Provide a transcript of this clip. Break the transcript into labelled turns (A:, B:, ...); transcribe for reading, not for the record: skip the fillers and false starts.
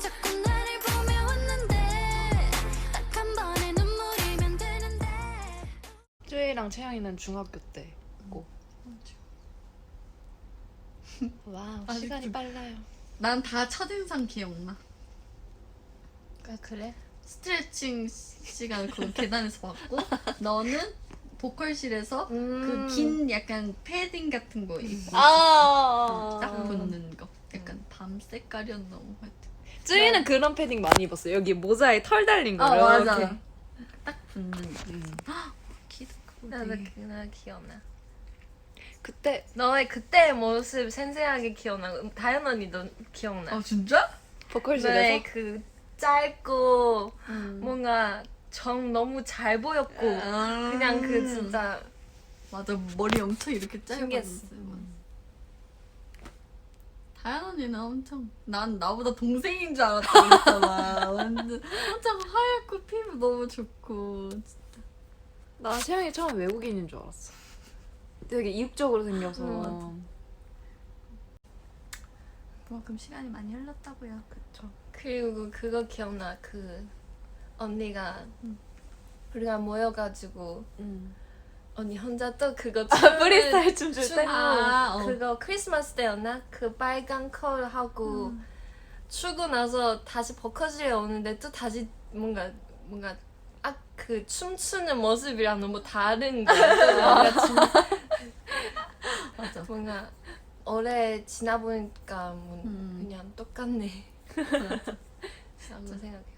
A: 자꾸 나를 보며 웃는데 딱 한 번의 눈물이면 되는데.
B: 쯔이랑 채영이는 중학교 때고. 와우,
C: 아직도-
B: 시간이 빨라요.
C: 난 다 첫인상 기억나.
D: 아, 그래?
C: 스트레칭 시간 그 계단에서 받고 너는 보컬실에서
D: 음.
C: 그 긴 약간 패딩 같은 거 입고 딱 붙는 거. 약간 밤 색깔이었나 뭐 하여튼.
B: 쯔이는 그런 패딩 많이 입었어. 여기 모자에 털 달린 거.
C: 맞아.
B: 이렇게.
C: 딱 붙는 거.
B: 음.
C: 키도 크고
D: 나도
C: 되게.
D: 그날 기억나.
B: 그때
D: 너의 그때의 모습 생생하게 기억나. 다현 언니도 기억나.
C: 진짜?
B: 보컬실에서
D: 너의 그 짧고
B: 음.
D: 뭔가 정 너무 잘 보였고 그냥 그 진짜
C: 맞아, 머리 엄청 이렇게
D: 신기했어.
C: 짧았어요. 다현 언니는 엄청 난 나보다 동생인 줄 알았다 그랬잖아. 완전 엄청 하얗고 피부 너무 좋고.
B: 나 채영이 처음에 외국인인 줄 알았어. 되게 이국적으로 생겨서.
C: 그만큼 시간이 많이 흘렀다고요.
B: 그쵸.
D: 그리고 그거 기억나. 그 언니가 우리가 모여가지고 언니 혼자 또 그거
B: 프리스타일 춤출 때?
D: 그거 크리스마스 때였나? 그 빨간 컬 하고 추고 나서 다시 버커실에 오는데 또 다시 뭔가 그 춤추는 모습이랑 너무 다른 거야. 뭔가
C: 맞아.
D: 뭔가 오래 지나보니까 뭐
C: 음.
D: 그냥 똑같네. 라고 생각해.